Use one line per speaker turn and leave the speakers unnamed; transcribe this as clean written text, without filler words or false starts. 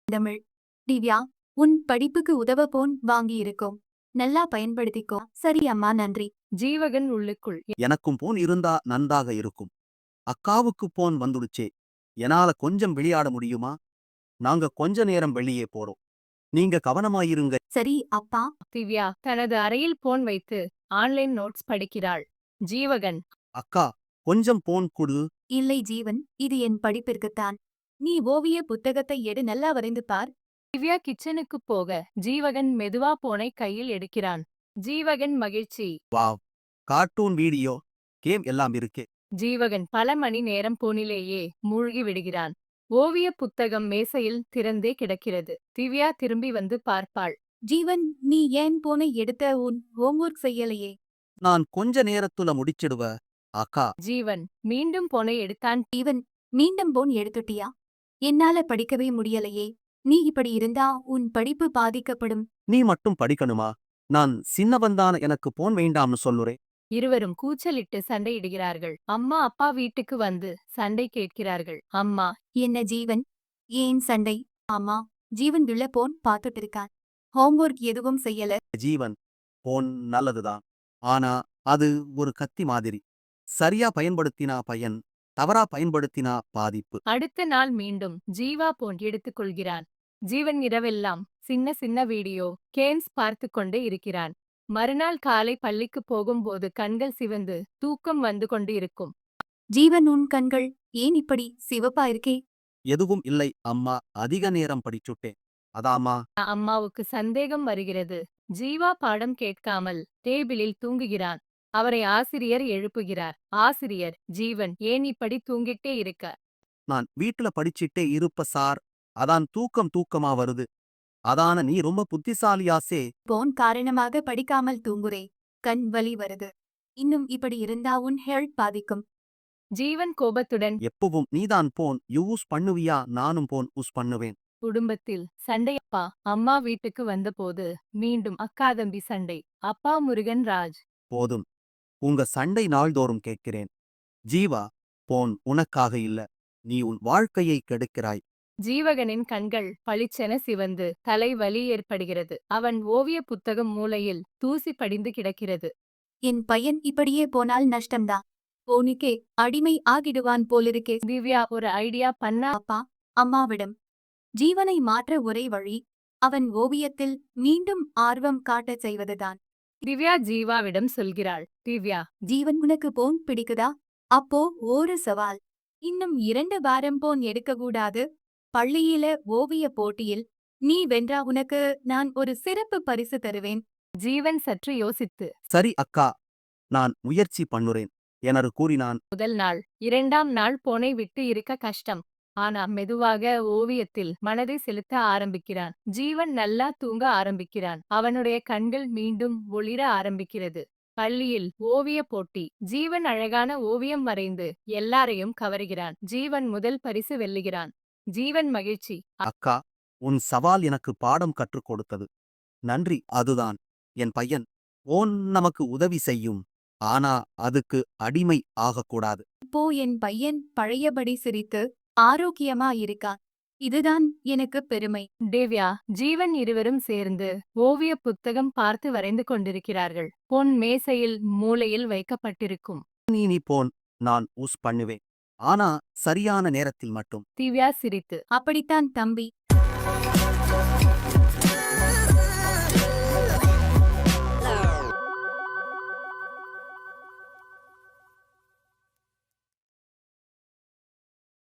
தமிழ். திவ்யா, உன் படிப்புக்கு உதவ போன் வாங்கி இருக்கோம். நல்லா பயன்படுத்திக்கோ. சரி அம்மா, நன்றி.
ஜீவகன் உள்ளுக்குள்
எனக்கும் போன் இருந்தா நன்றாக இருக்கும். அக்காவுக்கு போன் வந்துடுச்சே, என்னால கொஞ்சம் விளையாட முடியுமா? நாங்க கொஞ்ச நேரம் வெளியே போறோம். நீங்க கவனமாயிருங்க.
சரி அப்பா.
திவ்யா தனது அறையில் போன் வைத்து ஆன்லைன் நோட்ஸ் படிக்கிறாள். ஜீவகன்
அக்கா, கொஞ்சம் போன் குடு.
இல்லை ஜீவன், இது என் படிப்பிற்குத்தான். நீ ஓவிய புத்தகத்தை எடு, நல்லா வரைந்து பார்.
திவ்யா கிச்சனுக்கு போக ஜீவகன் மெதுவா போனை கையில் எடுக்கிறான். ஜீவகன் மகிழ்ச்சி.
வாவ், கார்ட்டூன் வீடியோ கேம் எல்லாம் இருக்கே.
ஜீவகன் பல மணி நேரம் போனிலேயே மூழ்கி விடுகிறான். ஓவிய புத்தகம் மேசையில் திறந்தே கிடக்கிறது. திவ்யா திரும்பி வந்து பார்ப்பாள்.
ஜீவன், நீ ஏன் போனை எடுத்த? உன் ஹோம்வொர்க் செய்யலையே?
நான் கொஞ்ச நேரத்துல முடிச்சிடுவ. அக்கா,
ஜீவன் மீண்டும் போனை எடுத்தான்.
ஜீவன், மீண்டும் போன் எடுத்துட்டியா? என்னால படிக்கவே முடியலையே. நீ இப்படி இருந்தா உன் படிப்பு பாதிக்கப்படும்.
நீ மட்டும் படிக்கணுமா? நான் சின்னவன்தான், எனக்கு போன் வேண்டாம்னு சொல்லுறேன்.
இருவரும் கூச்சலிட்டு சண்டையிடுகிறார்கள். அம்மா அப்பா வீட்டுக்கு வந்து சண்டை கேட்கிறார்கள். அம்மா
என்ன ஜீவன், ஏன் சண்டை? ஆமா, ஜீவன் உள்ள போன் பார்த்துட்டு இருக்கான். ஹோம்வொர்க் எதுவும் செய்யல.
ஜீவன், போன் நல்லதுதான். ஆனா அது ஒரு கத்தி மாதிரி. சரியா பயன்படுத்தினா பயன், தவறா பயன்படுத்தினா பாதிப்பு.
அடுத்த நாள் மீண்டும் ஜீவா போன் எடுத்துக் கொள்கிறான். ஜீவன் இரவெல்லாம் சின்ன சின்ன வீடியோ கேம்ஸ் பார்த்து கொண்டே இருக்கிறான். மறுநாள் காலை பள்ளிக்கு போகும்போது கண்கள் சிவந்து தூக்கம் வந்து கொண்டு இருக்கும்.
ஜீவன், உன் கண்கள் ஏன் இப்படி சிவப்பா இருக்கே?
எதுவும் இல்லை அம்மா, அதிக நேரம் படிச்சுட்டேன். அதாம்மா.
அம்மாவுக்கு சந்தேகம் வருகிறது. ஜீவா பாடம் கேட்காமல் டேபிளில் தூங்குகிறான். அவரை ஆசிரியர் எழுப்புகிறார். ஆசிரியர், ஜீவன் ஏன் இப்படி தூங்கிட்டே இருக்க?
நான் வீட்டுல படிச்சிட்டே இருப்ப சார், அதான் தூக்கமா வருது. அதான நீ ரொம்ப புத்திசாலியாசே.
போன் காரணமாக படிக்காமல் தூங்குறே, கண் வலி வருது. இன்னும் இப்படி இருந்தா உன் ஹெல்த் பாதிக்கும்.
ஜீவன் கோபத்துடன்
எப்பவும் நீதான் போன் யூஸ் பண்ணுவியா? நானும் போன் யூஸ் பண்ணுவேன்.
குடும்பத்தில் சண்டை. அப்பா அம்மா வீட்டுக்கு வந்தபோது மீண்டும் அக்கா தம்பி சண்டை. அப்பா முருகன் ராஜ்.
போதும், உங்க சண்டை நாள்தோறும் கேட்கிறேன். ஜீவா, போன் உனக்காக இல்ல, நீ உன் வாழ்க்கையை கெடுக்கிறாய்.
ஜீவகனின் கண்கள் பளிச்சென சிவந்து தலை வலி ஏற்படுகிறது. அவன் ஓவிய புத்தகம் மூலையில் தூசி படிந்து கிடக்கிறது.
என் பையன் இப்படியே போனால் நஷ்டம்தான். போனுக்கே அடிமை ஆகிடுவான் போலிருக்கே.
திவ்யா ஒரு ஐடியா பண்ணா.
அப்பா, அம்மாவிடம். ஜீவனை மாற்ற ஒரே வழி அவன் ஓவியத்தில் மீண்டும் ஆர்வம் காட்டச் செய்வதுதான்.
திவ்யா ஜீவாவிடம் சொல்கிறாள். திவ்யா
ஜீவன், உனக்கு போன் பிடிக்குதா? அப்போ ஒரு சவால். இன்னும் 2 வாரம் போன் எடுக்கக்கூடாது. பள்ளியில ஓவிய போட்டியில் நீ வென்றா உனக்கு நான் ஒரு சிறப்பு பரிசு தருவேன்.
ஜீவன் சற்று யோசித்து
சரி அக்கா, நான் முயற்சி பண்ணுறேன் என கூறினான்.
முதல் நாள் 2ஆம் நாள் போனை விட்டு இருக்க கஷ்டம். ஆனா மெதுவாக ஓவியத்தில் மனதை செலுத்த ஆரம்பிக்கிறான். ஜீவன் நல்லா தூங்க ஆரம்பிக்கிறான். அவனுடைய கண்கள் மீண்டும் ஒளிர ஆரம்பிக்கிறது. பள்ளியில் ஓவிய போட்டி. ஜீவன் அழகான ஓவியம் வரைந்து எல்லாரையும் கவருகிறான். ஜீவன் முதல் பரிசு வெல்லுகிறான். ஜீவன் மகிழ்ச்சி.
அக்கா, உன் சவால் எனக்கு பாடம் கற்றுக் கொடுத்தது. நன்றி. அதுதான், என் பையன் போன் நமக்கு உதவி செய்யும், ஆனா அதுக்கு அடிமை ஆகக்கூடாது.
இப்போ என் பையன் பழையபடி சிரித்து ஆரோக்கியமா இருக்கான். இதுதான் எனக்கு பெருமை.
தேவ்யா ஜீவன் இருவரும் சேர்ந்து ஓவிய புத்தகம் பார்த்து வரைந்து கொண்டிருக்கிறார்கள். பொன் மேசையில் மூலையில் வைக்கப்பட்டிருக்கும்.
நீ போன் நான் யூஸ் பண்ணுவேன், ஆனா சரியான நேரத்தில் மட்டும்.
திவ்யா சிரித்து
அப்படித்தான் தம்பி.